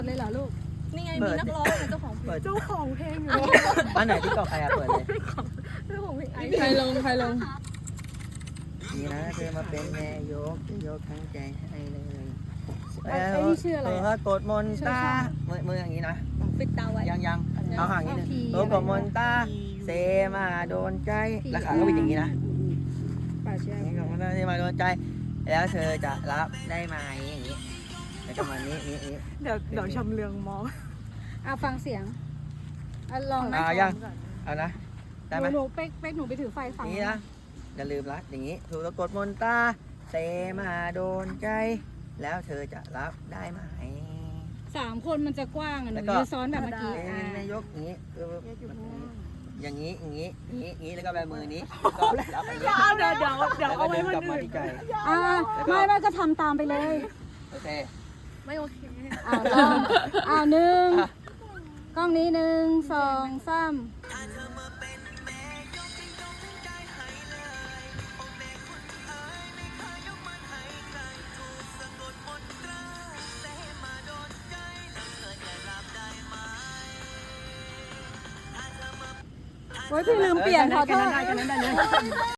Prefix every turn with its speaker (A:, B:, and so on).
A: เลยเหรอลูกนี่ไงมีนักร้องเจ้าของเพลงอยู่
B: บ้านไหนที่เกาะใครเปิดเลย
A: เจ้าของเพลงใครลง
B: นี่นะเธอมาเป็นแม่ยกจะยกทั้งใจให้เลย
A: ไอ้นี่ชื่ออะไร
B: กดมนตามืออย่างนี้นะ
A: ปิดตาไว้
B: ยังเอาห่างนิดนึงกดมนตาเซมาโดนใจแล้วขาก็เป็นอย่างนี้นะ
A: ป่าเชีย
B: นี่กดมนตาเซมาโดนใจแล้วเธอจะรับได้ไหมอย่างนี้แล้วก็มานี้
C: เดี๋ยวชำเลืองมอง
A: ฟังเสียงลองนะ
B: ยังเอานะได้ไหม
A: หนูเป๊กหนูไปถือไฟฝั่ง
B: นี่นะอย่าลืมละอย่างนี้ถูกกดมนตาเซมาโดนใจแล้วเธอจะรับได้ไหม
A: 3 คนมันจะกว้างหนูจะซ้อนแบบเมื่อกี้
B: นายกอย่างนี้อย่างนี้แล้วก็แบมือนี้ก็รับไปเดี๋ยวเอาไว้มันอื่น
A: ไม่ก็ทำตามไปเลย
B: โอเค
A: ไม่โอเคลอง1กล้องนี้1 2 3โอ้ยพี่ลืมเปลี่ยนขอโทษ